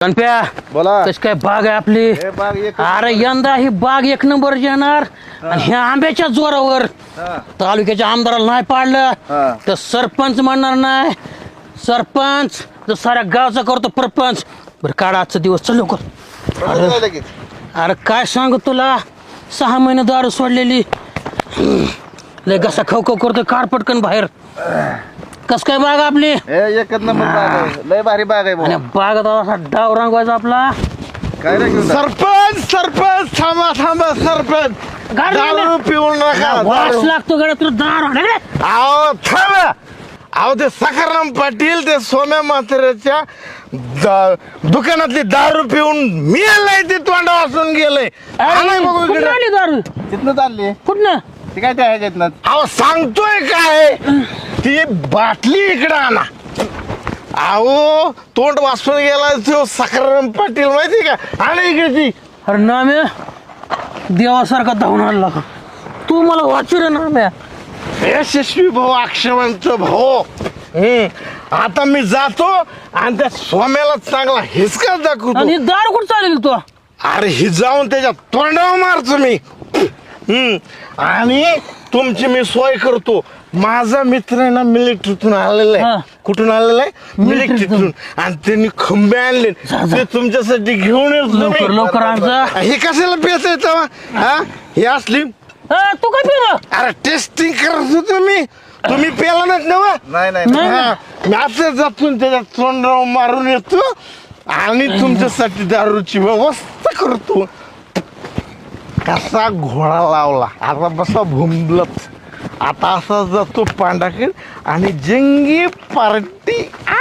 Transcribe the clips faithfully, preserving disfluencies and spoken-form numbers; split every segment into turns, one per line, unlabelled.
गणप्या
बोला.
कशी काय बाग आहे आपली?
हे बाग एक
अरे यंदा ही बाग एक नंबर येणार आणि ह्या आंब्याच्या जोरावर
हा.
तालुक्याच्या आमदाराला नाही पाडलं
हा.
तर सरपंच म्हणणार नाही. सरपंच तर साऱ्या गावचा करतो परपंच. बरं काढा आजचा दिवस चल लवकर.
बरोबर आहे लगेच.
अरे काय सांगू तुला, सहा महिने दारू सोडलेली, लय घसा खाऊ खाऊ करतो, कार पटकन बाहेर. कस काय बाग आपली?
हे एकच नंबर बाग आहे, लय भारी बाग आहे
आणि
भाऊ.
बागात असा डाव रंगवायचा आपला.
काय रे घेऊन जा?
सरपंच सरपंच थांबा थांबा सरपंच
गाडी
दारू
आणा.
पिऊन नका
वास
दारू.
लागतो गड्या तुला दारू रे.
अहो थांबा. अहो ते सखाराम पाटील ते सोम्या म्हाताऱ्याच्या दा- दुकानातली दारू पिऊन मेलाय, ते तोंडा वाचून गेलंय. आलाय बघू
कुठं
इकडे.
आली दारू?
तिथनं चालली
कुठनं?
ती काय त्या ह्याच्यातनं
अहो सांगतोय काय, ती बाटली इकडे आणा. अहो तोंड वाचून गेला तो सखाराम पाटील, माहिती का? आणा इकडे ती.
अरे नाम्या देवासारखा धावून आणला का तू? मला वाचू रे नाम्या.
यशस्वी भाऊ, अक्षवंत भाऊ. हम्म आता मी जातो आणि त्या सोम्याला चांगला हिसका दाखवतो.
आणि दारू कुठं चालेल तू?
अरे ही जाऊन त्याच्या तोंडावर मारतो मी. हम्म आणि तुमची मी सोय करतो. माझा मित्र आहे ना, मिलिटरीतून आलेला
हा.
आहे. कुठून आलेला आहे?
मिलिटरीतून.
मिलिटरीतून. आणि त्यांनी खंबे आणले,
जा, जा.
ते तुमच्यासाठी घेऊन येतो
लवकर
मी.
लवकर आण जा.
हे कशाला पेच येतं? हा हे असली.
अ, तू काय पिलं?
अरे टेस्टिंग करत होतो मी. तुम्ही पेला नाहीत ना वा?
नाही नाही
नाही.
हा, मी आता जातून त्याच्या तोंडावर मारून येतो आणि तुमच्यासाठी दारूची व्यवस्था करतो. कसा घोडा लावला, आता बसा भुंबलत. आता असा जातो पांडाखेड आणि जंगी पार्टी.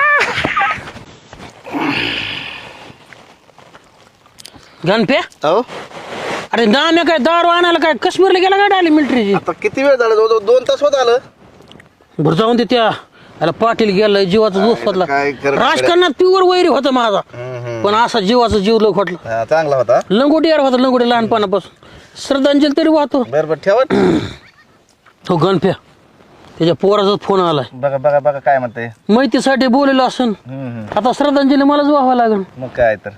गणप्या
अहो
अरे नाम्या काय दारू आणायला काय काश्मीरला गेला काय आली मिलिटरीची?
आता किती वेळ झाला? जवळ दोन तास होत आलं.
बरं जाऊन दे त्या याला पाटील गेलाय जीवाचा दोस्त फतला.
काय करणार?
राजकारणात प्युअर वैरी होता माझा, पण असा जीवाचा जीव लोक वाटला.
हा, चांगला होता.
लंगोटी यार होता, लंगोटी लहानपणापासून. श्रद्धांजली तरी वाहतो.
बरं बरं ठेवा.
तो गणप्या त्याच्या पोराचा फोन आलाय,
बघा बघा बघा काय म्हणते.
माहितीसाठी बोललेलो असन. आता श्रद्धांजली मलाच व्हावं लागेल.
मग काय तर.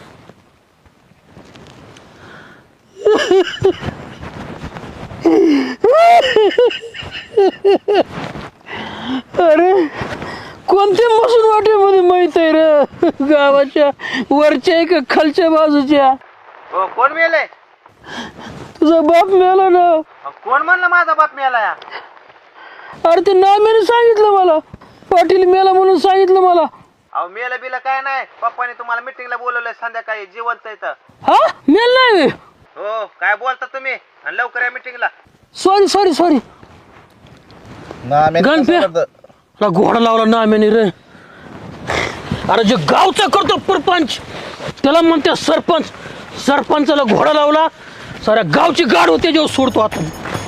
अरे कोणत्या मसून वाटेमध्ये माहित आहे रे, गावाच्या वरच्या आहे का खालच्या बाजूच्या?
हो कोण मेले?
तुझा बाप मेला ना.
कोण म्हणलं माझा बाप मेला?
अरे ते नाम्याने सांगितलं मला, पाटील मेला म्हणून सांगितलं मला.
अहो मेलं बिलं काय नाही, पप्पाने तुम्हाला मिटिंगला बोलवलंय संध्याकाळी, जिवंत इथं.
हा मेल नाही.
हो काय बोलता तुम्ही? आणि लवकर या मिटिंगला.
सॉरी सॉरी सॉरी
नाम्याने
गणप्या
कसं करतं?
ला घोडा लावला नाम्याने रे. अरे जे गावचा करतो परपंच त्याला म्हणते सरपंच. सरपंचाला घोडा लावला, साऱ्या गावची गाड होते जेव्हा सोडतो आता.